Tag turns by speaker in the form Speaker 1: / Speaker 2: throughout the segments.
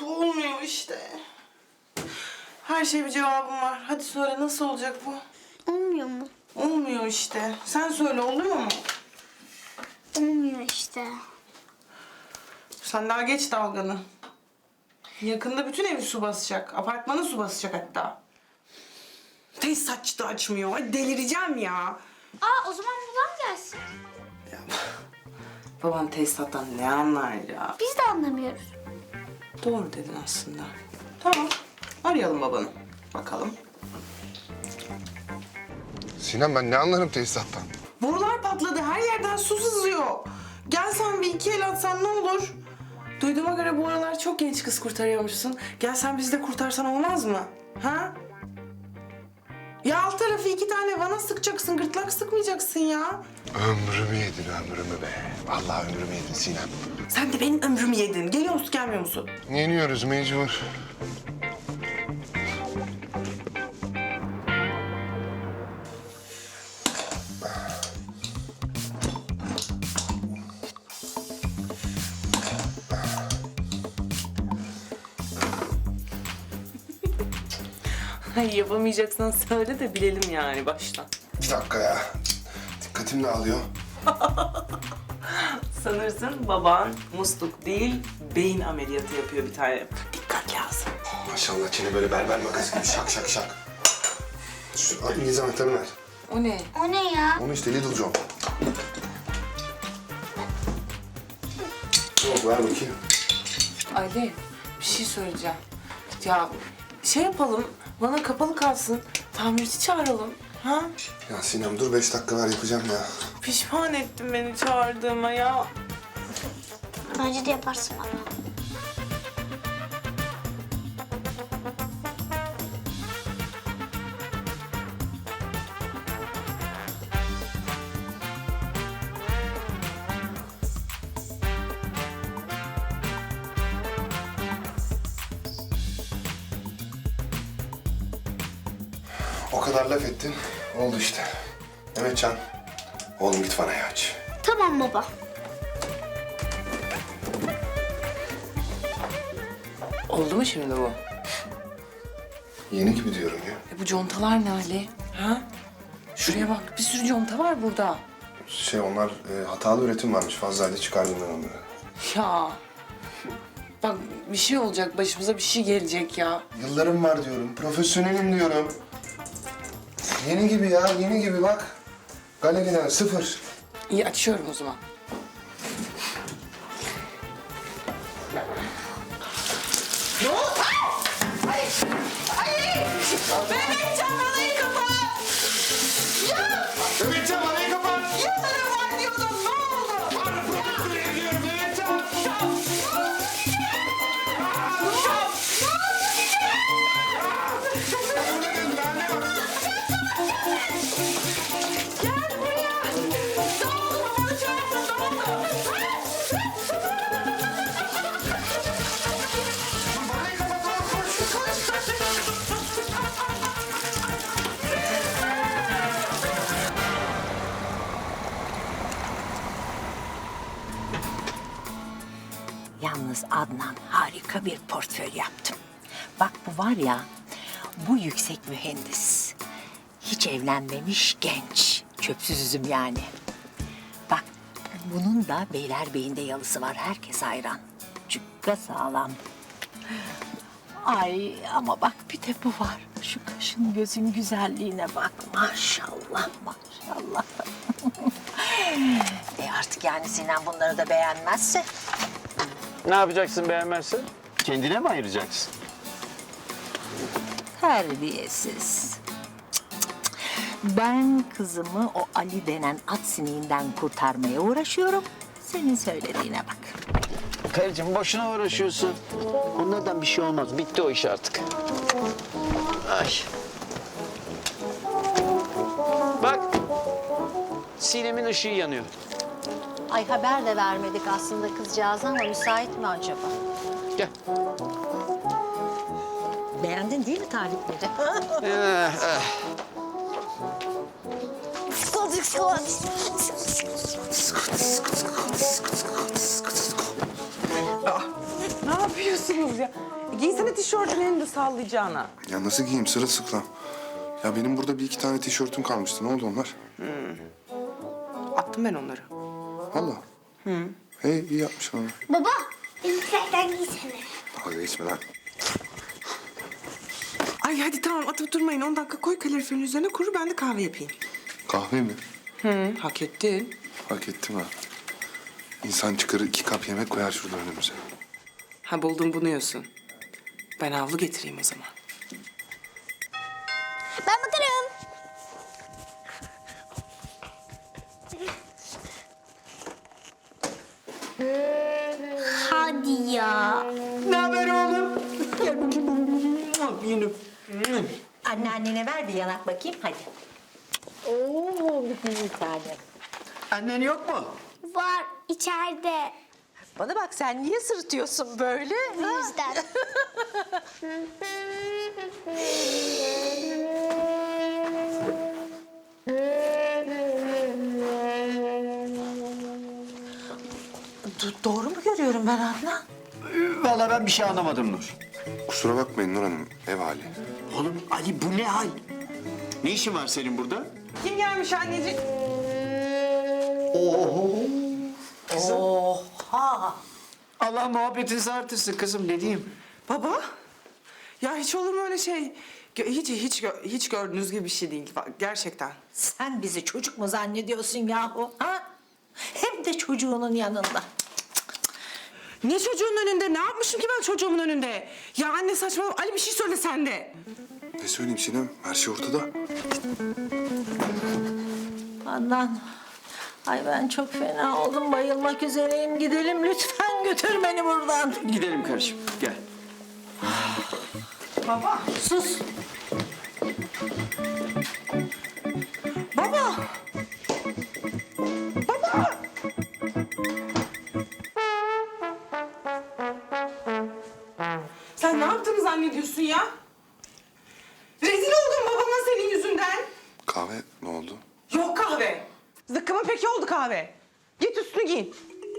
Speaker 1: olmuyor işte. Her şeye bir cevabım var. Hadi söyle, nasıl olacak bu?
Speaker 2: Olmuyor mu?
Speaker 1: Olmuyor işte. Sen söyle, oluyor mu?
Speaker 2: Olmuyor işte.
Speaker 1: Sen daha geç dalganı. Yakında bütün evi su basacak. Apartmanı su basacak hatta. Tesisatçı da açmıyor. Ay delireceğim ya.
Speaker 2: O zaman babam gelsin.
Speaker 1: Ya babam tesisattan ne anlar ya?
Speaker 2: Biz de anlamıyoruz.
Speaker 1: Doğru dedin aslında. Tamam. Arayalım babanı. Bakalım.
Speaker 3: Sinem ben ne anlarım tesisattan?
Speaker 1: Borular patladı. Her yerden su sızıyor. Gel sen bir iki el atsan ne olur? Duyduğuma göre bu aralar çok genç kız kurtarıyormuşsun. Gel sen bizi de kurtarsan olmaz mı? Ha? Ya alt tarafı 2 tane vana sıkacaksın. Gırtlak sıkmayacaksın ya.
Speaker 3: Ömrümü yedin ömrümü be. Vallahi ömrümü yedin Sinem.
Speaker 1: Sen de benim ömrümü yedin. Geliyor musun gelmiyor musun?
Speaker 3: Yeniyoruz mecbur.
Speaker 1: Ay yapamayacaksan söyle de bilelim yani baştan.
Speaker 3: Bir dakika ya. Dikkatim dağılıyor.
Speaker 1: Sanırsın baban musluk değil, beyin ameliyatı yapıyor bir tane. Dikkat lazım.
Speaker 3: Maşallah çene böyle berber makası gibi şak şak şak. Şu İngiliz anahtarını ver.
Speaker 1: O ne?
Speaker 2: O ne ya?
Speaker 3: Onu işte Little John. Yok ver bakayım.
Speaker 1: Ali, bir şey söyleyeceğim. Ya şey yapalım, bana kapalı kalsın. Tamirci çağıralım. Ha?
Speaker 3: Ya Sinem dur 5 dakika ver yapacağım ya.
Speaker 1: Pişman ettin beni çağırdığıma ya.
Speaker 2: Bence de yaparsın baba.
Speaker 3: O kadar laf ettin. Oldu işte. Mehmetcan. Oğlum git vanayı aç.
Speaker 2: Tamam baba.
Speaker 1: Oldu mu şimdi bu?
Speaker 3: Yeni gibi diyorum ya.
Speaker 1: Bu contalar ne Ali? Ha? Şuraya bak, bir sürü conta var burada.
Speaker 3: Onlar hatalı üretim varmış. Fazlaydı çıkardım ben onları.
Speaker 1: Ya. Bak bir şey olacak, başımıza bir şey gelecek ya.
Speaker 3: Yıllarım var diyorum. Profesyonelim diyorum. Yeni gibi ya, yeni gibi bak. Galeriden sıfır.
Speaker 1: İyi açıyorum o zaman. Ne oldu? Ay! Ay! Mehmetcan vanayı kapat! Ya!
Speaker 3: Mehmetcan vanayı kapat!
Speaker 1: Yıllarım var diyordum, ne oldu?
Speaker 3: Bana profesyonelim diyorum Mehmetcan!
Speaker 1: Gel buraya! Ne oldu? Babanı çağırdın, ne oldu?
Speaker 3: Vanayı kapat oğlum, koş!
Speaker 4: Yalnız Adnan harika bir portföy yaptım. Bak bu var ya, bu yüksek mühendis. Hiç evlenmemiş genç. Çöpsüz üzüm yani. Bak bunun da Beylerbeyi'nde yalısı var. Herkes hayran. Cukka sağlam. Ay ama bak bir de bu var. Şu kaşın gözün güzelliğine bak. Maşallah maşallah. Artık yani Sinan bunları da beğenmezse.
Speaker 5: Ne yapacaksın beğenmezsen? Kendine mi ayıracaksın?
Speaker 4: Terbiyesiz. Ben kızımı o Ali denen at sineğinden kurtarmaya uğraşıyorum. Senin söylediğine bak.
Speaker 5: Karıcığım boşuna uğraşıyorsun. Onlardan bir şey olmaz. Bitti o iş artık. Ay. Bak. Sinem'in ışığı yanıyor.
Speaker 6: Ay haber de vermedik aslında kızcağız ama müsait mi acaba?
Speaker 5: Gel.
Speaker 6: Beğendin değil mi tarifleri?
Speaker 1: Ne yapıyorsun musunuz ya? Giysene tişörtünü elinde sallayacağına.
Speaker 3: Ya nasıl giyeyim sırılsıklam? Ya benim burada bir iki tane tişörtüm kalmıştı. Ne oldu onlar?
Speaker 1: Attım ben onları.
Speaker 3: Valla. Hey iyi yapmışsın onu.
Speaker 2: Baba, elbiselerden giysene.
Speaker 3: Dalga geçme lan.
Speaker 1: Ay hadi tamam atıp durmayın. 10 dakika koy kaloriferin üzerine kuru, ben de kahve yapayım.
Speaker 3: Kahve mi?
Speaker 1: Hak ettin.
Speaker 3: Hak ettim ha. İnsan çıkarır 2 kap yemek koyar şurada önümüze.
Speaker 1: Ha buldum bunu yiyorsun. Ben havlu getireyim o zaman.
Speaker 2: Ben bakarım. Hadi ya.
Speaker 1: Ne haber oğlum? Gel bakayım. Yine.
Speaker 4: Anneannene ver bir yanak bakayım hadi. Oo bir tane.
Speaker 5: Annen yok mu?
Speaker 2: Var içeride.
Speaker 4: Bana bak sen niye sırıtıyorsun böyle?
Speaker 2: Bu yüzden.
Speaker 4: Doğru mu görüyorum ben Adnan?
Speaker 5: Vallahi ben bir şey anlamadım Nur.
Speaker 3: Kusura bakmayın Nur Hanım. Ev hali.
Speaker 5: Oğlum Ali bu ne hal? Ne işin var senin burada?
Speaker 1: Kim gelmiş anneciğim?
Speaker 4: Oha!
Speaker 5: Allah muhabbetinizi artırsın kızım ne diyeyim?
Speaker 1: Baba? Ya hiç olur mu öyle şey? Hiç gördüğünüz gibi bir şey değil. Bak, gerçekten.
Speaker 4: Sen bizi çocuk mu zannediyorsun yahu? Ha? Hem de çocuğunun yanında.
Speaker 1: Ne çocuğun önünde? Ne yapmışım ki ben çocuğumun önünde? Ya anne saçmalama. Ali bir şey söyle sen de.
Speaker 3: Ne söyleyeyim Sinem? Her şey ortada.
Speaker 4: Adnan, ay ben çok fena oldum, bayılmak üzereyim. Gidelim lütfen, götür beni buradan.
Speaker 5: Gidelim kardeşim gel.
Speaker 1: Baba.
Speaker 4: Sus.
Speaker 1: Baba. Baba. Sen ne yaptığını zannediyorsun ya? Rezil oldum babama senin yüzünden.
Speaker 3: Kahve ne oldu?
Speaker 1: Yok kahve. Zıkkımın peki oldu kahve. Git üstünü giyin.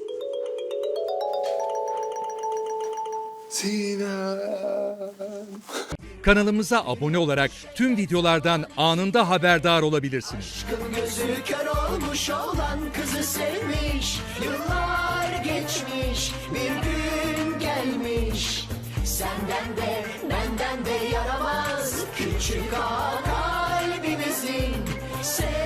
Speaker 3: Sinem.
Speaker 7: Kanalımıza abone olarak tüm videolardan anında haberdar olabilirsiniz.
Speaker 8: Gözü kör olmuş olan kızı sevmiş. Yıllar geçmiş, bir gün gelmiş. Senden de benden de yaramaz küçük ağa kalbimizin.